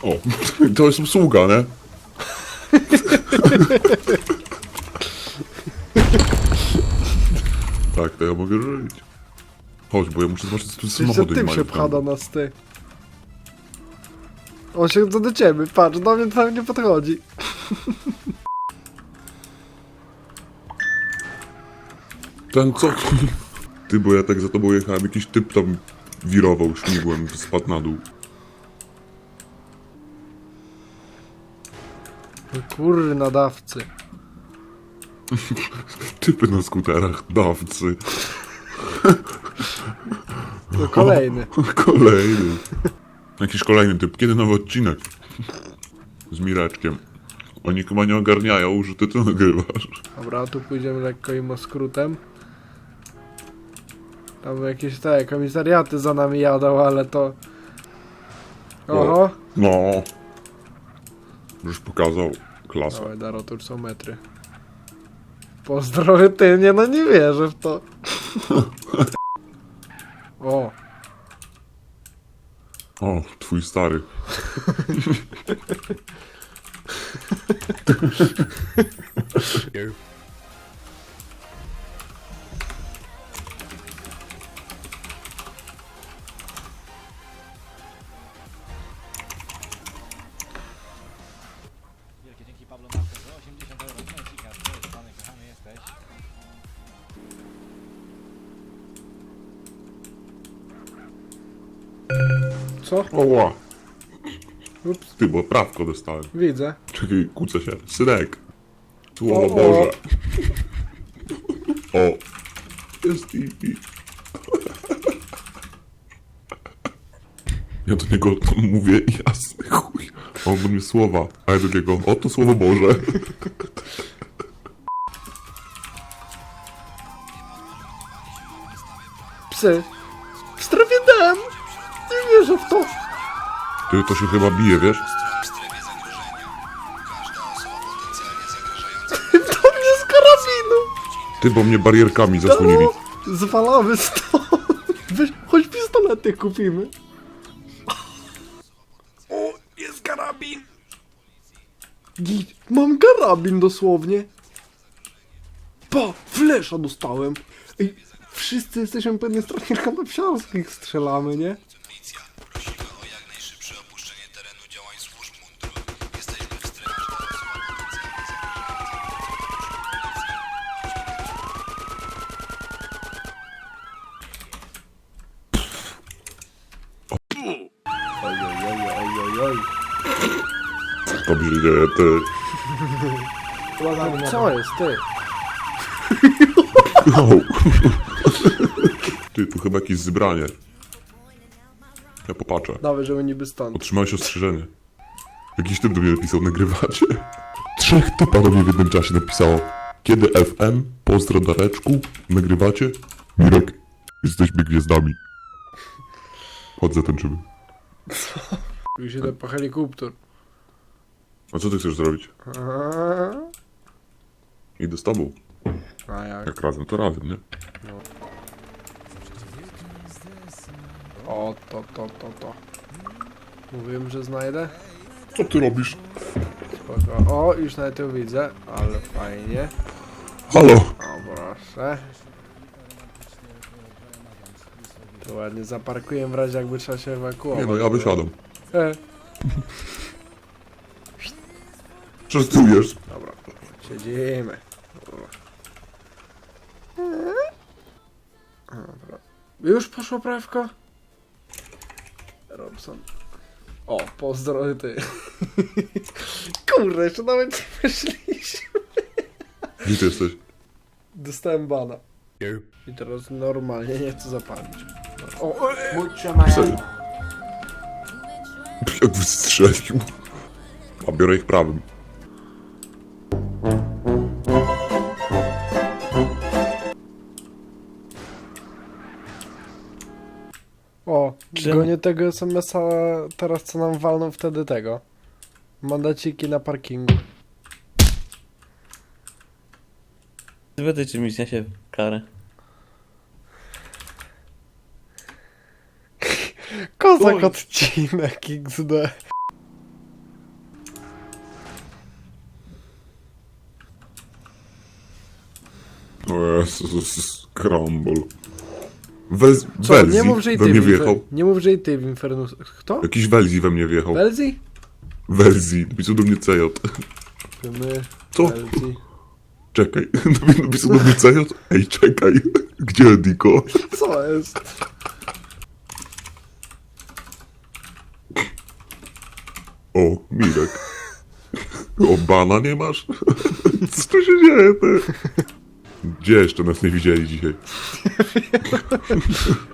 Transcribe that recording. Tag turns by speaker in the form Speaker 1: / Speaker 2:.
Speaker 1: O, to jest usługa, nie? Tak, to ja mogę żyć. Chodź, bo ja muszę zobaczyć, co tu
Speaker 2: Jeszcze
Speaker 1: samochody
Speaker 2: tym
Speaker 1: mają.
Speaker 2: się pcha do nas, ty. On się chce do ciebie, patrz, do mnie tam nie podchodzi.
Speaker 1: Ten co? Ty, bo ja tak za tobą jechałem, jakiś typ tam wirował śmigłem, spadł na dół.
Speaker 2: Kurna dawcy.
Speaker 1: Typy na skuterach, dawcy.
Speaker 2: To kolejny.
Speaker 1: Kolejny. Jakiś kolejny typ. Kiedy nowy odcinek? Z Mireczkiem. Oni chyba nie ogarniają, że ty to nagrywasz.
Speaker 2: Dobra, tu pójdziemy lekko im skrótem. Tam jakieś te komisariaty za nami jadą, ale to... Oho.
Speaker 1: No. Już pokazał klasę.
Speaker 2: Dawaj, Daro, tu już są metry. Pozdrowy ty, nie no nie wierzę w to. O,
Speaker 1: O, twój stary.
Speaker 3: Wielkie dzięki Pablo Marquez za 80 euro. Cika, pany kochany jesteś.
Speaker 2: co?
Speaker 1: Oła.
Speaker 2: Ups,
Speaker 1: Ty, bo prawko dostałem.
Speaker 2: widzę.
Speaker 1: Czekaj, kłócę się. Synek. Słowo
Speaker 2: O,
Speaker 1: Boże. O. Jest i. Ja do niego tam mówię, jasny chuj. A on do mnie słowa. A ja do niego, oto Słowo Boże.
Speaker 2: Psy. W strefie DM. Nie wierzę w to.
Speaker 1: Ty, to się chyba bije, wiesz?
Speaker 2: To mnie z karabinu.
Speaker 1: Ty, bo mnie barierkami zasłonili.
Speaker 2: Daro, zwalamy stąd. Weź, choć pistolety kupimy. O, jest karabin. Git, mam karabin dosłownie. Pa, flesza dostałem. Ej, wszyscy jesteśmy po jednej stronie kanapsiarskich strzelamy, nie?
Speaker 4: Policja prosiła o jak najszybsze opuszczenie terenu działań służb mundurowych. Jesteśmy w strefie
Speaker 2: Oj, oj, oj.
Speaker 1: To mi się dzieje, ty.
Speaker 2: Co jest, ty?
Speaker 1: No. Ty, tu chyba jakieś zebranie. Ja popatrzę.
Speaker 2: Dawaj, żeby niby stąd.
Speaker 1: Otrzymałeś ostrzeżenie. Jakiś typ do mnie napisał, nagrywacie? 3 typa do mnie w jednym czasie napisało. Kiedy FM? Pozdro Dareczku. Nagrywacie? Mirek, jesteśmy gwiazdami. Chodź zatańczymy.
Speaker 2: Już idę po helikopter.
Speaker 1: A co ty chcesz zrobić? Idę z tobą.
Speaker 2: A jak?
Speaker 1: Jak razem, to razem, nie?
Speaker 2: O, to. Mówiłem, że znajdę.
Speaker 1: Co ty robisz?
Speaker 2: Spoko. O, już nawet ją widzę, ale fajnie.
Speaker 1: Halo!
Speaker 2: O, proszę. To ładnie zaparkuję w razie jakby trzeba się ewakuować.
Speaker 1: Nie no, ja wysiadam.
Speaker 2: E,
Speaker 1: Częstujesz?
Speaker 2: dobra, siedzimy. Dobra. Już poszło prawko? Robson. O, pozdro ty. Kurde, jeszcze nawet nie wyszliśmy.
Speaker 1: Gdzie ty jesteś?
Speaker 2: Dostałem bana. I teraz normalnie nie chcę zapalić. O,
Speaker 1: Serio? Jak wystrzelił. A biorę ich prawym.
Speaker 2: o, gonię tego SMS-a teraz, co nam walną wtedy tego. Mandaciki na parkingu.
Speaker 5: Zbyty czy mi się karę.
Speaker 2: Kozak odcinek XD.
Speaker 1: O Jezus, Crumble.
Speaker 2: Co?
Speaker 1: Welzi
Speaker 2: Nie mów, że i
Speaker 1: we
Speaker 2: ty
Speaker 1: mnie
Speaker 2: w
Speaker 1: wjechał.
Speaker 2: Nie mów, że i ty w Infernus... Kto?
Speaker 1: Jakiś Welzi we mnie wjechał.
Speaker 2: Belzi?
Speaker 1: Welzi, napisał do mnie CJ.
Speaker 2: My...
Speaker 1: Co?
Speaker 2: Belzi.
Speaker 1: Czekaj, napisał do mnie CJ. Ej, czekaj, gdzie Diko?
Speaker 2: Co jest?
Speaker 1: O, Mirek. O, bana nie masz? Co tu się dzieje, ty? Gdzie jeszcze nas nie widzieli dzisiaj?